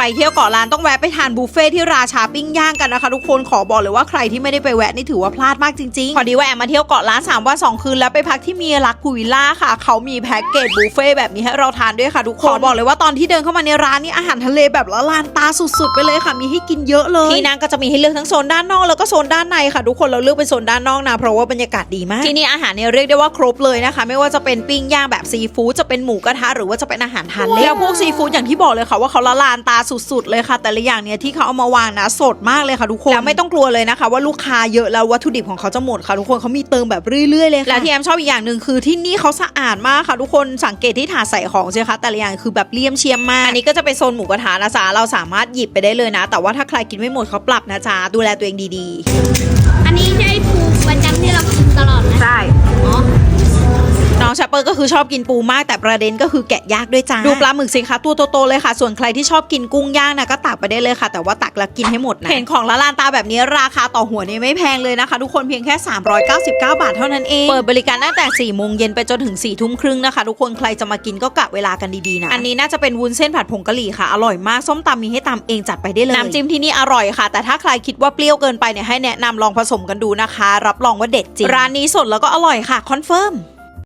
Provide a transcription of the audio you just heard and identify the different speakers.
Speaker 1: เที่ยวเกาะล้านต้องแวะไปทานบุฟเฟ่ที่ราชาปิ้งย่างกันนะคะทุกคนขอบอกเลยว่าใครที่ไม่ได้ไปแวะนี่ถือว่าพลาดมากจริงๆพอดีว่าแอมมาเที่ยวเกาะล้าน3 วัน 2 คืนแล้วไปพักที่เมียรักพูวิลล่าค่ะเขามีแพ็กเกจบุฟเฟ่แบบนี้ให้เราทานด้วยค่ะทุกคนบอกเลยว่าตอนที่เดินเข้ามาในร้านนี่อาหารทะเลแบบละลานตาสุดๆไปเลยค่ะมีให้กินเยอะเลยที่นั่งก็จะมีให้เลือกทั้งโซนด้านนอกแล้วก็โซนด้านในค่ะทุกคนเราเลือกเป็นโซนด้านนอกนะเพราะว่าบรรยากาศดีมากที่นี่อาหารเนี่ยเรียกได้ว่าครบเลยนะคะไม่ว่าจะเป็นปิ้งย่างแบบซีฟู้ดจะเป็นหมูกระทะหรือว่าจะเป็นอาหารทานเล่นแล้วพวกซีฟู้ดอย่างที่บอกเลยค่ะว่าเขาละลานตาสุดๆเลยค่ะแต่ละอย่างเนี่ยที่เขาเอามาวางนะสดมากเลยค่ะทุกคนแล้วไม่ต้องกลัวเลยนะคะว่าลูกค้าเยอะแล้ววัตถุดิบของเขาจะหมดค่ะทุกคนเขามีเติมแบบเรื่อยๆเลยค่ะแล้วที่แอมชอบอีกอย่างหนึ่งคือที่นี่เขาสะอาดมากค่ะทุกคนสังเกตที่ถาดใส่ของใช่ไหมคะแต่ละอย่างคือแบบเลี่ยมเชียมมากอันนี้ก็จะเป็นโซนหมูกระทะนะจ๊ะเราสามารถหยิบไปได้เลยนะแต่ว่าถ้าใครกินไม่หมดเขาปรับนะจ๊ะดูแลตัวเองดีๆ
Speaker 2: อันนี้ใช่ปูประจำที่เรากินตลอดไหม
Speaker 1: ใช่น้องแชปเปอร์ก็คือชอบกินปูมากแต่ประเด็นก็คือแกะยากด้วยจ้าดูปลาหมึกสิคะตัวโตๆเลยค่ะส่วนใครที่ชอบกินกุ้งย่างนะก็ตักไปได้เลยค่ะแต่ว่าตักแล้วกินให้หมดนะเห็นของละลานตาแบบนี้ราคาต่อหัวนี่ไม่แพงเลยนะคะทุกคนเพียงแค่399 บาทเท่านั้นเองเปิดบริการตั้งแต่4 โมงเย็นไปจนถึง4 ทุ่มครึ่งนะคะทุกคนใครจะมากินก็กะเวลากันดีๆนะอันนี้น่าจะเป็นวุ้นเส้นผัดผงกะหรี่ค่ะอร่อยมากส้มตำมีให้ตำเองจัดไปได้เลยน้ำจิ้มที่นี่อร่อยค่ะแต่ถ้าใครคิดว่าเปรี้ยวเกินไปเนี่ยให้แนะนำลองผสมกันดูนะคะรับรองว่าเด็ดจริงร้านนี้สดแล้วก็อร่อยค่ะคอนเฟิร์ม